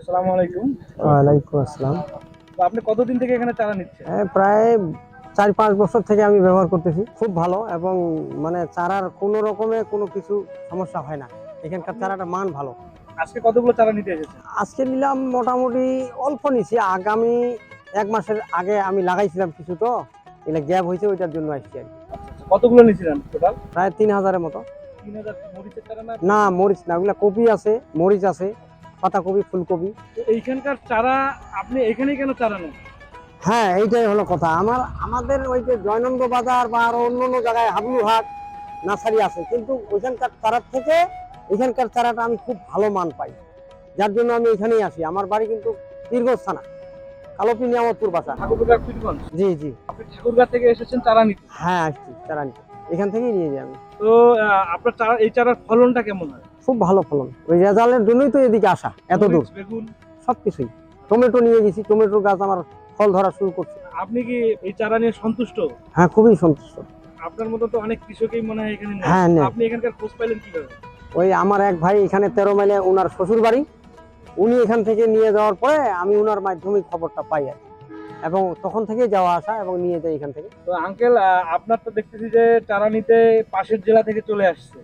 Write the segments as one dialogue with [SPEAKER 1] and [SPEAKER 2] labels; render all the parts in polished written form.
[SPEAKER 1] আসসালামু আলাইকুম।
[SPEAKER 2] ওয়ালাইকুম আসসালাম।
[SPEAKER 1] তো আপনি কতদিন থেকে এখানে চারা নিচ্ছেন?
[SPEAKER 2] প্রায় ৪-৫ বছর থেকে আমি ব্যবহার করতেছি। খুব ভালো এবং মানে চারার কোনো রকমে কোনো কিছু সমস্যা হয় না। এখানকার চারাটার মান ভালো।
[SPEAKER 1] আজকে কতগুলো চারা নিতে এসেছেন?
[SPEAKER 2] আজকে নিলাম মোটামুটি অল্প নিছি। আগামী ১ মাসের আগে আমি লাগাইছিলাম কিছু, তো এগুলা গ্যাপ হয়েছে, ওইটার জন্য আসছি আরকি।
[SPEAKER 1] আচ্ছা, কতগুলো নিয়েছিলেন টোটাল?
[SPEAKER 2] প্রায় ৩,০০০ এর মতো।
[SPEAKER 1] ৩,০০০ মরিচের চারা না?
[SPEAKER 2] না, মরিচ না, ওগুলা কপি আছে, মরিচ আছে, পাতাকপি, ফুলকপি।
[SPEAKER 1] তো এইখানকার চারা আপনি এখানেই কেন চারা নেন?
[SPEAKER 2] হ্যাঁ, এইটাই হলো কথা। আমাদের ওই যে জয়নন্দ বাজার বা আরো অন্যান্য জায়গায় হাবলুহাট নার্সারি আছে, কিন্তু ওইখানকার চারার থেকে এখানকার চারাটা আমি খুব ভালো মান পাই, যার জন্য আমি এখানেই আসি। আমার বাড়ি কিন্তু পীরগঞ্জ থানা, কালোপি নিয়ামতপুর বাসা।
[SPEAKER 1] ঠাকুরগাঁ পীরগঞ্জ।
[SPEAKER 2] জি জি।
[SPEAKER 1] আপনি ঠাকুরগাঁ থেকে এসেছেন চারা নিতে।
[SPEAKER 2] হ্যাঁ, আসছি চারা নিতে, এখান থেকেই নিয়ে যাই আমি।
[SPEAKER 1] তো আপনার চারা এই চারার ফলনটা কেমন হয়?
[SPEAKER 2] খুব ভালো ফলন, ওই রেজাল্টের জন্যই তো এদিকে আসা, এত দূর।
[SPEAKER 1] মরিচ, বেগুন
[SPEAKER 2] সবকিছুই। টমেটো নিয়ে গেছি, টমেটোর গাছ আমার ফল ধরা শুরু করছে।
[SPEAKER 1] আপনি কি এই চারা নিয়ে সন্তুষ্ট?
[SPEAKER 2] হ্যাঁ, খুবই সন্তুষ্ট।
[SPEAKER 1] আপনার মতো তো অনেক কৃষকই মনে হয় এখানে নেয়।
[SPEAKER 2] হ্যাঁ, নেয়।
[SPEAKER 1] আপনি এখানকার খোঁজ পাইলেন কিভাবে?
[SPEAKER 2] ওই আমার এক ভাই এখানে ১৩ মাইলে ওনার শ্বশুর বাড়ি, উনি এখান থেকে নিয়ে যাওয়ার পরে আমি ওনার মাধ্যমে খবরটা পাই আর কি। এবং তখন থেকে যাওয়া আসা এবং নিয়ে যাই এখান থেকে।
[SPEAKER 1] তো আঙ্কেল, আপনার তো দেখতেছি যে চারা নিতে পাশের জেলা থেকে চলে আসছে।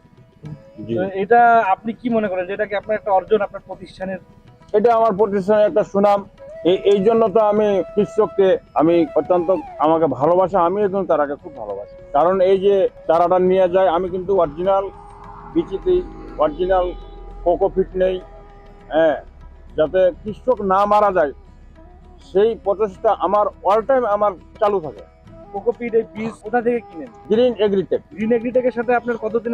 [SPEAKER 1] তো এটা আপনি কি মনে করেন যে এটা কি আপনার একটা অর্জন আপনার প্রতিষ্ঠানের?
[SPEAKER 3] এটা আমার প্রতিষ্ঠানের একটা সুনাম। এই জন্য তো আমি কৃষককে আমি অত্যন্ত আমাকে ভালোবাসা, আমিও কিন্তু তারাকে খুব ভালোবাসি। কারণ এই যে চারাটা নিয়ে যায়, আমি কিন্তু অরিজিনাল বিচিতে অরিজিনাল কোকোপিট নেই, হ্যাঁ, যাতে কৃষক না মারা যায় সেই প্রচেষ্টা আমার অল টাইম আমার চালু থাকে।
[SPEAKER 1] কোকোপিট এই বীজ কোথা থেকে কিনেন?
[SPEAKER 3] Green agritech.
[SPEAKER 1] গ্রিন এগ্রিটেকের সাথে আপনার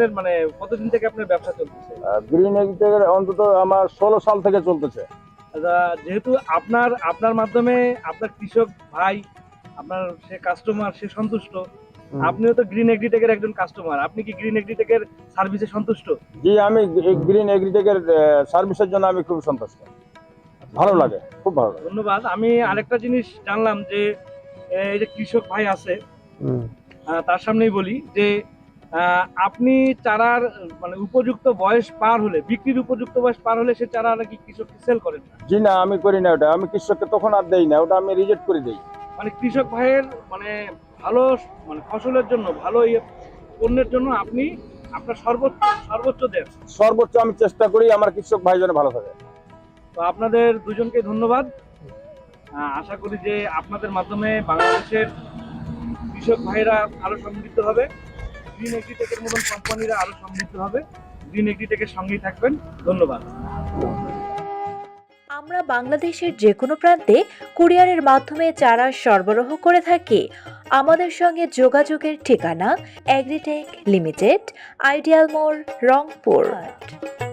[SPEAKER 1] কতদিন থেকে আপনার ব্যবসা চলতেছে?
[SPEAKER 3] গ্রিন এগ্রিটেকের অন্তত আমার 16 সাল থেকে চলতেছে।
[SPEAKER 1] আচ্ছা, যেহেতু আপনার মাধ্যমে আপনার কৃষক ভাই, আপনার সে কাস্টমার, সে সন্তুষ্ট, আপনিও তো গ্রিন এগ্রিটেকের একজন কাস্টমার। আপনি কি গ্রিন এগ্রিটেকের সার্ভিসে সন্তুষ্ট?
[SPEAKER 3] জি, আমি গ্রিন এগ্রিটেকের সার্ভিসের জন্য আমি খুব সন্তুষ্ট। ভালো লাগে, খুব ভালো লাগে।
[SPEAKER 1] ধন্যবাদ। আমি আরেকটা জিনিস জানলাম যে এই যে কৃষক ভাই আছে, তার সামনেই বলি যে আপনি চারার মানে উপযুক্ত বয়স পার হলে, বিক্রির উপযুক্ত বয়স পার হলে সে চারা নাকি কৃষককে সেল করেন না।
[SPEAKER 3] জি না, আমি করি না ওটা। আমি কৃষককে তখন আর দেই না, ওটা আমি রিজেক্ট করে দেই।
[SPEAKER 1] মানে কৃষক ভাইয়ের মানে ভালো মানে ফসলের জন্য, ভালো পণ্যের জন্য আপনি আপনার সর্বোচ্চ দেন।
[SPEAKER 3] সর্বোচ্চ আমি চেষ্টা করি আমার কৃষক ভাই যেন ভালো থাকে।
[SPEAKER 1] তো আপনাদের দুজনকে ধন্যবাদ। আশা করি যে আপনাদের মাধ্যমে বাংলাদেশের কৃষক ভাইরা আরো সমৃদ্ধ হবে, গ্রিন এগ্রিটেকের মতন কোম্পানিরা আরো সমৃদ্ধ হবে। গ্রিন এগ্রিটেকের সঙ্গেই থাকবেন। ধন্যবাদ।
[SPEAKER 4] আমরা বাংলাদেশের যে কোনো প্রান্তে কুরিয়ারের মাধ্যমে চারা সরবরাহ করে থাকি। আমাদের সঙ্গে যোগাযোগের ঠিকানা এগ্রিটেক লিমিটেড, আইডিয়াল মোড়, রংপুর।